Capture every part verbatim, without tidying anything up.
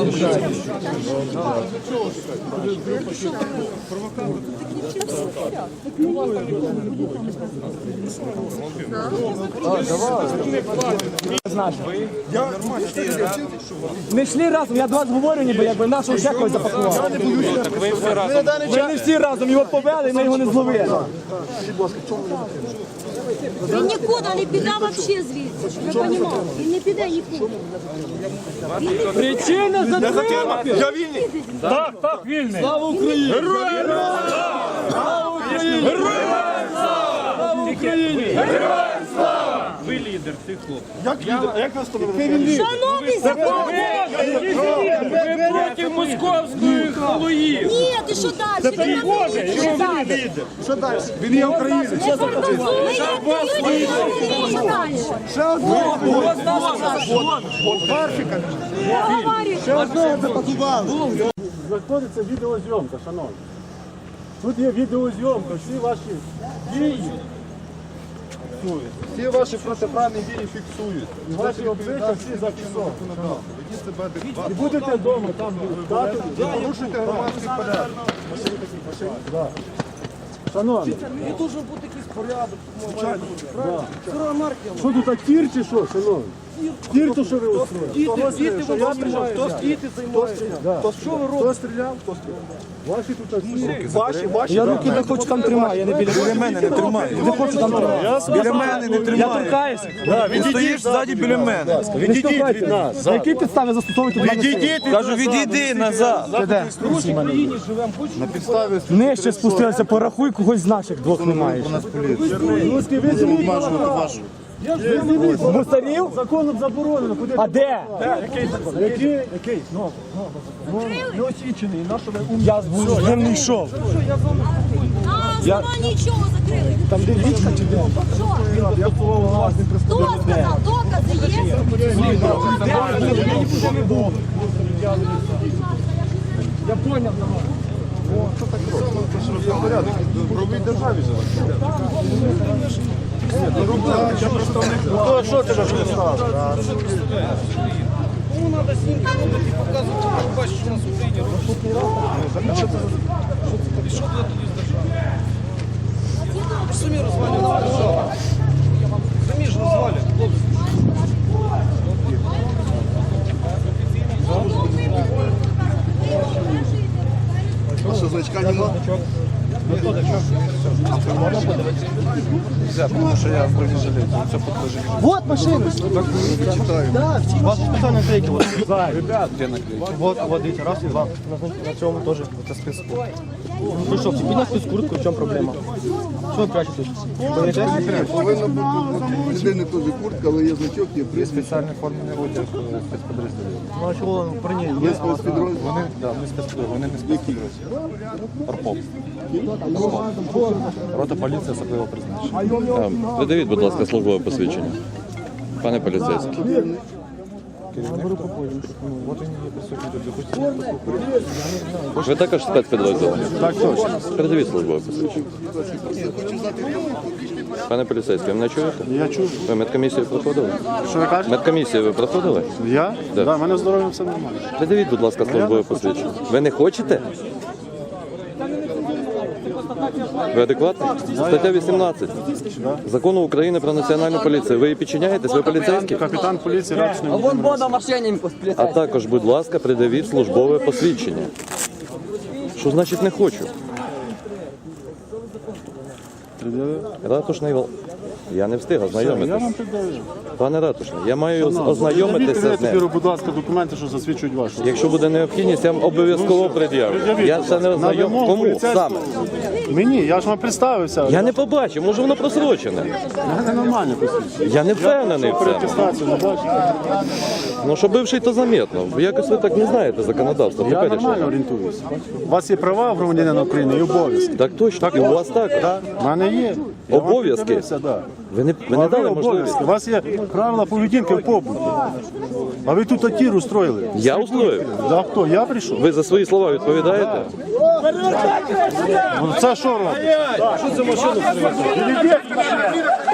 Ми йшли разом, я до вас говорю, ніби якби нашого ще когось запакував. Ви не всі разом його повели, ми його не зловили. Він нікуди не піде взагалі звідси, щоб ви розуміли. Він не піде нікуди. Причина затримати! Я вільний! Так, так, вільний! Слава Україні! Героям слава! Героям слава! Слава Україні! Героям слава! Ви лідер цих хлопців. Як нас встановили? Шановний закон! Ви проти московської халуї! Ні, ти що далі? Ви Боже, що далі? Що далі? Він є українець. Не фантазуй, як ти люди, що далі? Ще одного. Ще одного запакували. Знаходиться відеозйомка, шановні. Тут є відеозйомка, всі ваші дії фіксують. Всі ваші протиправні дії фіксують. І ваші обличчя всі зафіксовані. І будете вдома там дати. Порушуйте громадський порядок. Шановні. Не дуже бути якийсь порядок. Що тут, а тір чи що, шановні? Тір то, що ви устроїли? Діти воно знімають. Хто з діти займається? Що ви робите? Хто стріляв? Хто стріляв? Ваші тут всі. Ваші, ваші. Я руки не хочу там тримаю, я не біля Біля мене не тримай. Не хочу там тримати. Біля мене не Я тримай. торкаюся. Ти стоїш ззаді біля мене. Відійдіть від нас. На які підстави застосовуєте до мене? Кажу, відійди назад. Це де? На підставі Нижче спустилися, порахуй, когось з наших двох немає. Руський візьміть. Мусорів? Законом заборонено. Куди? А де? Який закон? Який? Який? Ну, ну, не освічений. На що ви Я з ним не йшов. А, сама нічого закрили. Там де річка чи де? Що? Я слово вас не Хто сказав? Докази є? Я поняв. в правовій державі живе. Що ти ж став? Кому надо снімки робити і показувати, як бачиш, що у нас в Україні робиться. І що туди тоді з держави? Ви ж самі розвалюєте державу. Самі ж розвалюєте, хлопці. А що, значка нема? Тому що я в бронежилеті. Це покажи. Вот машина. Читаю. Ваші спеціальні наклейки. Ребят, де наклейки? Вот, вот, дивіться, раз і два. На цьому теж це списку. Ну що, всі підняли з куртку, в чому проблема? Що ви прячетесь? Повинна бути у людини теж куртка, але є значок, є приз. Спеціальний формний одяг спецпідрозділів. Ну а чого при ній? Є спецпідрозділ. Вони, да, вони спецпідрозділи, вони не спецпідрозділи. Арпоп. Рота поліції особливо призначення. Видавіть, будь ласка, службове посвідчення. Пане поліцейський. От він є присутній тут, допустимо. Ви також спецпідрозділ? Так, точно. Передавіть службове посвідчення. Пане поліцейський, ви мене чуєте? Я чув. Ви медкомісію проходили? Що ви кажете? Медкомісію ви проходили? Я? Да. Так, в мене здоров'я все нормально. Придавіть, будь ласка, службове посвідчення. Ви не хочете? Ви адекватний? Стаття вісімнадцять Закону України про національну поліцію. Ви її підчиняєтесь? Ви поліцейські? Капітан поліції Радчний. А вон вода машині А також, будь ласка, придавіть службове посвідчення. Що значить не хочу? Ратушний вол... Я не встиг Я ознайомитися. вам піддаю. Пане Ратушний, я маю ознайомитися з ним. Тепер, будь ласка, документи, що засвідчують вашу. Якщо буде необхідність, я вам обов'язково пред'явлю. Я це не ознайом. Кому саме? Мені, я ж вам представився. Я не побачив, може воно просрочене. Це нормально посвідчення. Я не впевнений в цьому. Атестацію не бачите. Ну, що бивший, то замітно. Якось ви так не знаєте законодавство. Я теперішнє. нормально орієнтуюся. У вас є права громадянина України і обов'язки. Так точно, і у вас також. У мене є. Я вам Обов'язки? піддивився, да. Ви не, ви не А ви дали можливість. обов'язки. У вас є правила поведінки в побуті. А ви тут атір устроїли. Я устроїв. За хто? Я прийшов? Ви за свої слова відповідаєте? Ну, це що робить? Що це машину привезли?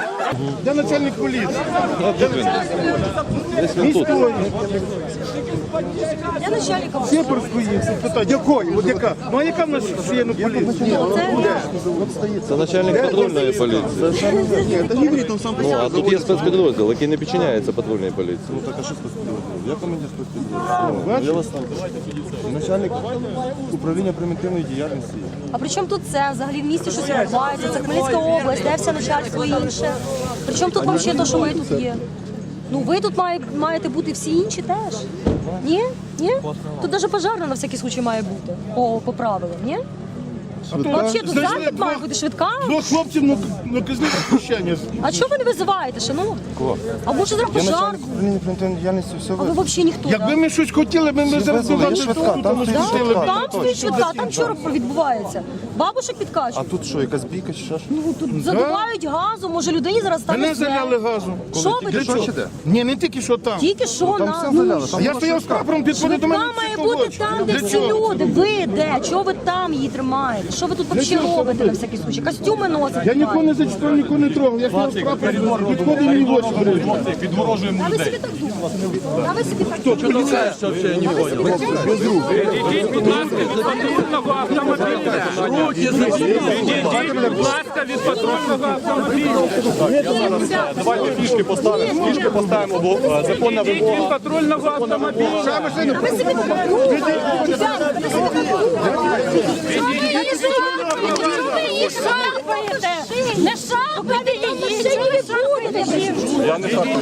Де начальник поліції? Десь він тут. Я начальником. Сєпарської є всі питання. Якої? От яка? Ну а яка в нас є на поліції? Це начальник патрульної поліції. Ні, та не говоріть, там сам Ну, а тут є спецпідрозділ, який не підчиняється патрульній поліції. Так, а що спецпідрозділ? Я командир спецпідрозділу. Ну, я вас там. Начальник управління примітивної діяльності. А при чому тут це? Взагалі в місті щось відбувається? Це Хмельницька область, де все начальство і інше. При чому тут взагалі те, що ми тут є? Ну ви тут має, маєте бути всі інші теж. Ні? Ні? Тут навіть пожарна на всякий случай має бути. По, по правилам, ні? Взагалі тут захід має бути швидка. Двох хлопців на, на казне захищення. А чого ви не визиваєте, шановні? Кого? А може зараз Я пожарку? начальник управління примітивної діяльності, все А ви ви. взагалі ніхто, Якби так? ми щось хотіли, ми, ми зараз визвали, є багато швидка, тут, там ми стоїть зустріли. швидка. Там стоїть швидка, там що відбувається? Бабушек А підкачують. тут що, якась бійка чи що? Ну тут задувають газу, може людині зараз стане Мене зле. заляли газом. Що ви Тільки тут? що чи де? Ні, не тільки що там. Тільки що Там на... все ну, заляли. Там Я була стояв з швидка. прапором, підходив до мене. Швидка має психолог. бути там, де Для всі чого? люди. Ви де? Чого ви там її тримаєте? Що ви тут взагалі робите на всякий случай? Костюми носите? Я нікого не зачитав, нікого не трогав. Я стояв з прапором, підходив мені в очі. А ви собі так думаєте? А ви собі так думаєте? Відійдіть, будь ласка, від патрульного автомобіля. Відійдіть, будь ласка, від патрульного автомобіля. Давайте фішки поставимо, фішки поставимо, бо законна Відійдіть від патрульного автомобіля. А ви собі так думаєте? Ребята, ви собі так думаєте? Чого ви її шарпаєте? Чого ви її шарпаєте? Не шарпайте її! Ще не шарпайте! Я не так.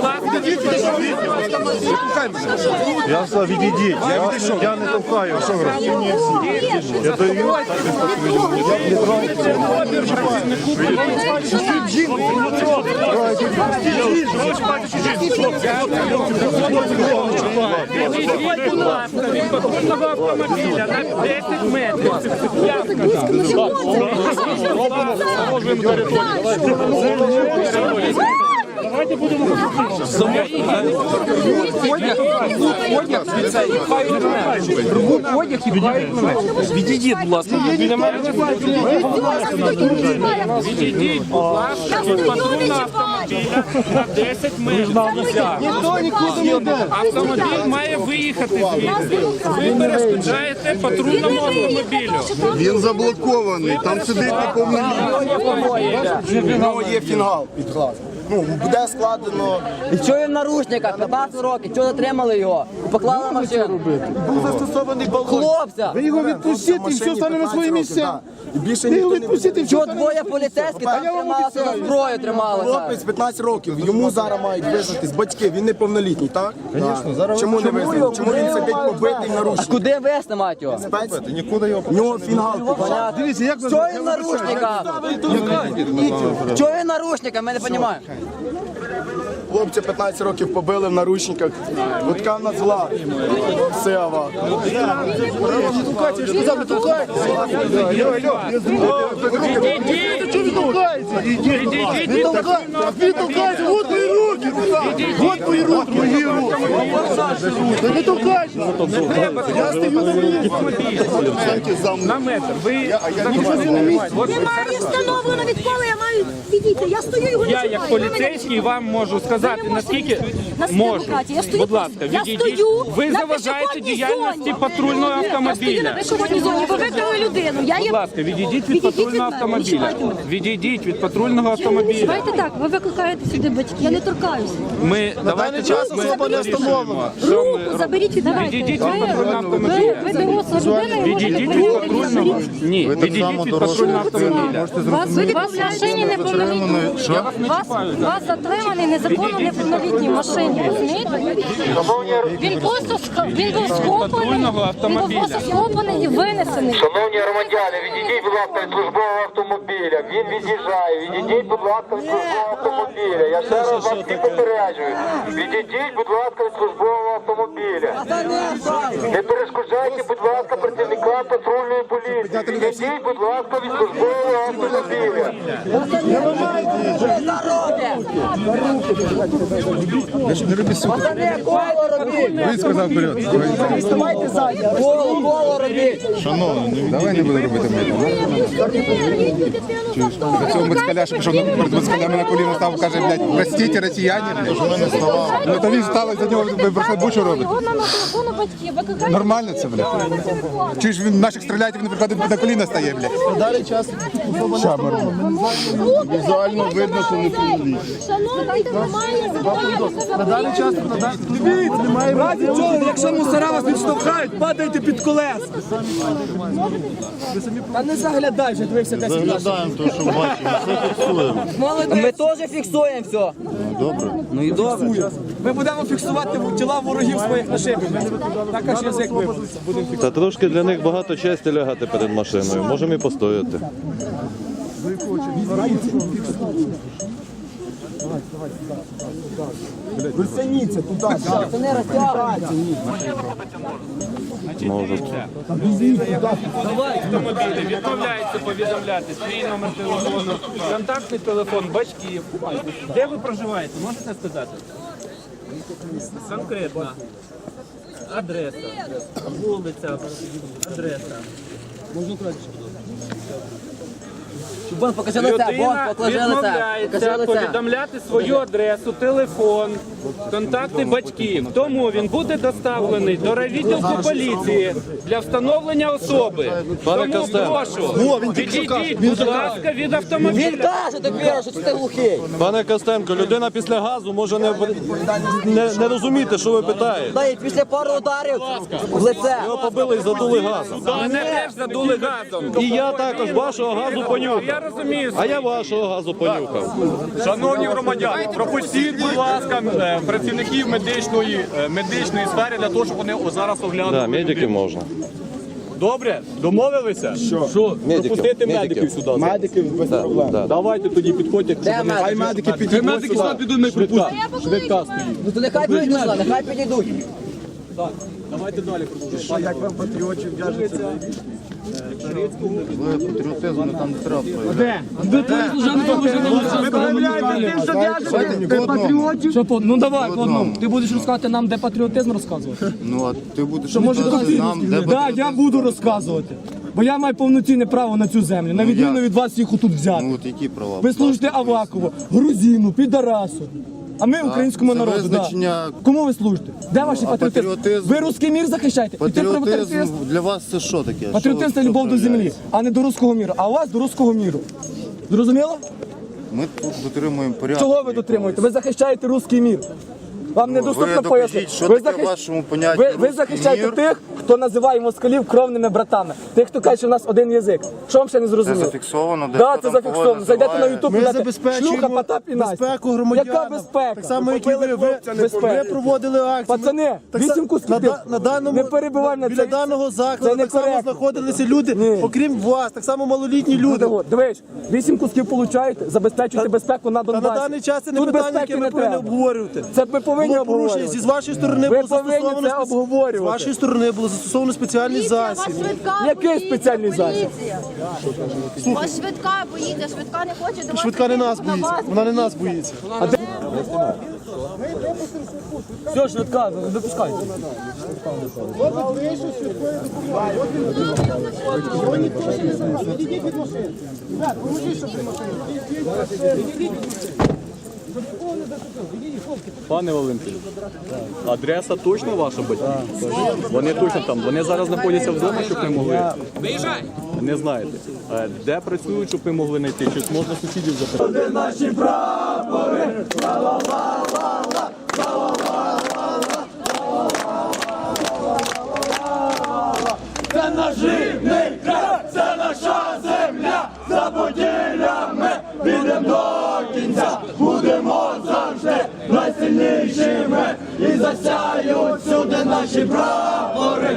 Я сказав, відійдіть. Я, я не товкаю. Що ви робите? Я даю. Відійдіть, будь ласка, від патрульного автомобіля на десять метрів. Я Відійдіть, будь ласка, біля мене. Відійдіть, будь ласка, від патрульного автомобіля на десять метрів. Автомобіль має виїхати звідси. Ви перешкоджаєте патрульному автомобілю. Він заблокований, там сидить неповнолітній. В нього є фінгал під глаз. Ну, буде складено. І чого він в наручниках? п'ятнадцять років, чого затримали його? І поклали на машину. Був застосований балон. Хлопця! Ви його відпустіть і все стане на свої місця. І більше Ви його ніхто не відпустіть і все Чого стане на двоє свої місця. поліцейських А там я вам трималися за обіцяю. зброю трималися? Хлопець п'ятнадцять років, йому зараз мають визнатись батьки, він неповнолітній, так? Звісно, зараз. Чому не визнають? Чому він сидить побитий в А наручниках? куди вести, мать його? Спец? Нікуди його В нього фінгал під глаз. Понятно. Дивіться, як ви Чого він в наручниках? Чого він в наручниках? Ми не розуміємо. Хлопця п'ятнадцять років побили в наручниках. От така в нас зла. Сева. Відійдіть від патрульного автомобіля. Вот твої руки! Вот твої руки! Мої руки! Не толкайся! Я стою на місці! На метр. Ви Немає встановлено відколи, я маю відійти. Я стою його не Я чіпаю. як Ви мене поліцейський вам можу сказати, Ви не можете наскільки відповісти. На можу. демократії. Я стою Будь тут. ласка, Я відійдіть. стою Ви на заважаєте пішохідній діяльності зоні. патрульного Я стою на автомобіля. пішохідній зоні, ви викрили людину. Я Будь є... ласка, відійдіть від Відійдіть патрульного від мене, автомобіля. не чіпайте мене. Відійдіть від патрульного автомобіля. Давайте так, ви викликаєте сюди батьків. Я не торкаюся. Ми давайте час ми вирішуємо, що ми Руку заберіть від мене. Відійдіть від патрульного автомобіля. Ви доросла людина і Відійдіть можете від патрульного. Ні, відійдіть від патрульного автомобіля. Вас в машині неповнолітній. Вас, вас затриманий незаконно неповнолітній в машині. Розумієте? Він просто ск- він був схоплений, патрульного він був автомобіля. просто схоплений і винесений. Шановні громадяни, відійдіть, будь ласка, від службового автомобіля. Він від'їжджає. Відійдіть, будь ласка, від службового автомобіля. Я ще раз вас всіх попереджую. Відійдіть, будь ласка, від службового автомобіля. Не перешкоджайте, будь ласка, працівникам патрульної поліції. Відійдіть, будь ласка, від службового автомобіля. Пацани, коло робіть! Він сказав вперед. Вставайте ззаді! Коло, коло робіть! Давай не будемо робити медленно. До цього москаля, що пішов перед москалями на коліно став, каже, блядь, простіть, росіяни, блядь. Ну то він став, за нього бучу робить. Його нам на телефону батьків, викликають. Нормально це, блядь. Чи ж він наших стріляє, він приходить на коліна стає, блядь. Далі час. Візуально видно, що не повинні. Шановний, немає закону. Далі час. Дивіться, немає разі чого, якщо мусора вас відштовхають, падайте під колеса. Та не заглядай, вже дивився десь. Заглядаємо те, що бачимо, все фіксуємо. Ми теж фіксуємо все. Добре. Ну і добре. Ми будемо фіксувати тіла ворогів своїх на шибі. Так аж язик виводиться. Будемо Та трошки для них багато честі лягати перед машиною. Можемо і постояти. Версеніться туди. Пацани, розтягуйте. Можуть. Автомобілі відмовляються повідомляти свій номер телефону, контактний телефон батьків. Де ви проживаєте? Можете сказати? Конкретно. Адреса. Вулиця. Адреса. Бон, покажи лице, Бон, Людина покажи лице. відмовляється Покажи лице. повідомляти свою адресу, телефон, контакти батьків. Тому він буде доставлений до райвідділку поліції для встановлення особи. Пане Тому Костенко. прошу, відійдіть, будь ласка, від Він автомобіля. каже тепер, що ти глухий. Пане Костенко, людина після газу може не, не, не розуміти, що ви питаєте. Дай, після пару ударів в лице. Його побили і задули газом. Мене теж задули газом. І я також вашого газу понюхав. Я розумію. А я вашого газу понюхав. Шановні громадяни, пропустіть, будь ласка, е, працівників медичної, е, медичної сфери для того, щоб вони о- зараз оглянули. Да, медиків можна. Добре? Домовилися? Що? Що? Медиків, Пропустити медиків. медиків сюди. Медиків без проблем. Да. Давайте тоді підходьте. щоб Де вони- медики? Хай медики підійдуть Медики сюди підуть, ми пропустимо. Швидка стоїть. Ну то нехай підійдуть сюди, нехай підійдуть. Давайте далі продовжуємо. Як вам патріотів в'яжеться? Ви патріотизм не там не треба. Що по- ну давай по одному. Ти будеш розказувати нам, де патріотизм розказувати. Ну, а ти будеш Що може розказувати тобі? нам, де Так, я патріотизм. буду розказувати. Бо я маю повноцінне право на цю землю, на відміну як? від вас їх отут Ну, взяти. от які права? Ви служите Авакову, Грузину, Підарасу. А ми українському це народу. Да. визначення- Кому ви служите? Де ваші патріотизм? патріотизм- Ви русський мір захищаєте? І ти про Патріотизм патріотизм? для вас це що таке? Патріотизм це Що любов до землі, проявляється? а не до руського міру. А у вас до руського міру. Зрозуміло? Ми тут дотримуємо порядку. Чого ви дотримуєте? Ви захищаєте руський мір. Вам недоступно ви докажіть, пояснити. що Ви таке в вашому понятті ви, ви руський захищаєте мір? тих, хто називає москалів кровними братами. Тих, хто каже, що в нас один язик. Що вам ще не Це зрозуміло? зафіксовано, де Да, хто це там зафіксовано. кого Зайдете на називає. Ютуб, Ми підете. забезпечуємо Шлюха, Потап і Настя. безпеку громадян. Яка безпека? Так само, як і ви, ви, Безпека. ви проводили акцію. Пацани, Так вісім са- кусків. на, да- на даному, Не перебивай на біля це. даного Це закладу не так само коректно. знаходилися люди, Ні. окрім вас, так само малолітні люди. Люди, дивись, вісім кусків получаєте, забезпечуйте безпеку на Та Донбасі. на даний час це не Тут питання, безпеки яке ми не повинні треба. обговорювати. Це ми повинні Було порушення, обговорювати. зі з вашої сторони Ви було повинні застосовано це спец- обговорювати. З вашої сторони було застосовано спеціальний засіб. Який спеціальний засіб? Вас швидка боїться, швидка не хоче до вас. Швидка не нас на боїться, вас. вона не нас боїться. Все, швидка, випускайте. Пане Валентин, адреса точно ваша батьків? Вони точно там. Вони зараз знаходяться вдома, щоб ви могли. Виїжджай! Не знаєте. Е, Де працюють, щоб ви могли знайти? Чи можна сусідів запитати? Наші прапори, це наш рідний край, це наша земля, за поділями підемо до кінця, будемо завжди найсильнішими і засяють сюди наші прапори.